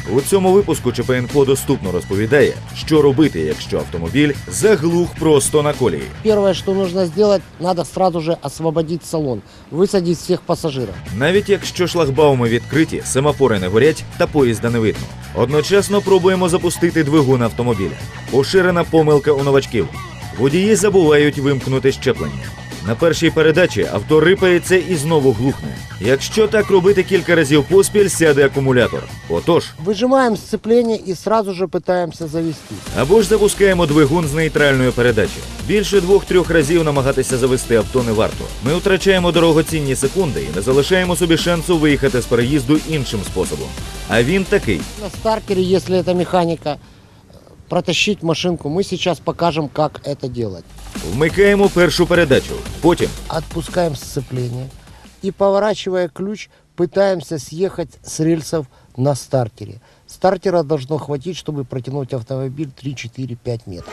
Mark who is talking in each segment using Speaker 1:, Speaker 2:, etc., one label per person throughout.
Speaker 1: У цьому випуску ЧП-Інфо доступно розповідає, що робити, якщо автомобіль заглух просто на колії.
Speaker 2: Первое, что нужно сделать, надо сразу же освободить салон, высадить всех пассажиров.
Speaker 1: Навіть якщо шлагбауми відкриті, семафори не горять та поїзда не видно. Одночасно пробуємо запустити двигун автомобіля. Поширена помилка у новачків. Водії забувають вимкнути щеплення. На першій передачі авто рипається і знову глухне. Якщо так робити кілька разів поспіль, сяде акумулятор. Отож,
Speaker 2: Выжимаем сцепление и сразу же пытаемся завести.
Speaker 1: або ж запускаємо двигун з нейтральної передачі. Більше 2-3 разів намагатися завести авто не варто. Ми втрачаємо дорогоцінні секунди і не залишаємо собі шансу виїхати з переїзду іншим способом. А він такий.
Speaker 2: На стартере, если это механика, протащить машинку, мы сейчас покажем, как это делать.
Speaker 1: Вмикаємо першу передачу. Потім
Speaker 2: Отпускаем сцепление и, поворачивая ключ, пытаемся съехать с рельсов на стартере. Стартера должно хватить, чтобы протянуть автомобиль 3-4-5 метров.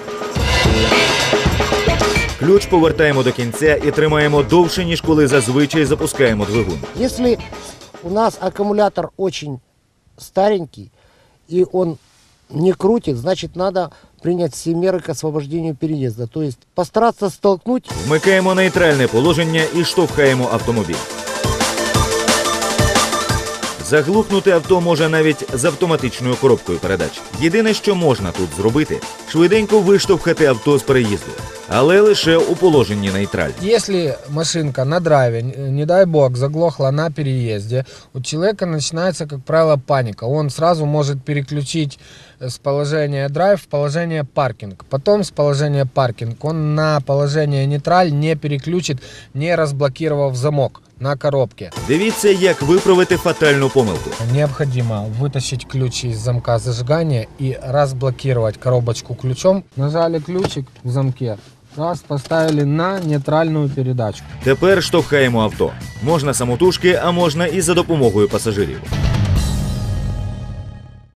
Speaker 1: ключ повертаємо до кінця і тримаємо довше, ніж коли зазвичай запускаємо двигун.
Speaker 2: Если у нас аккумулятор очень старенький и он не крутит, значит надо принять все меры к освобождению переезда. То есть постараться столкнуть.
Speaker 1: Вмикаємо нейтральне положення і штовхаємо автомобіль. Заглухнути авто може навіть з автоматичною коробкою передач. Єдине, що можна тут зробити – швиденько виштовхати авто з переїзду. Але лише у положенні нейтраль.
Speaker 3: Если машинка на драйве, не дай бог, заглохла на переезде, у человека начинается, как правило, паника. Он сразу может переключить с положения драйв в положение паркинг. Потом с положения паркинг он на положение нейтраль не переключит, не разблокировав замок на коробке.
Speaker 1: Дивіться, як виправити фатальну помилку.
Speaker 3: Необходимо вытащить ключ из замка зажигания и разблокировать коробочку ключом. Нажали ключик в замке. Раз, поставили на нейтральную передачу.
Speaker 1: Тепер штовхаємо авто. Можна самотужки, а можна і за допомогою пасажирів.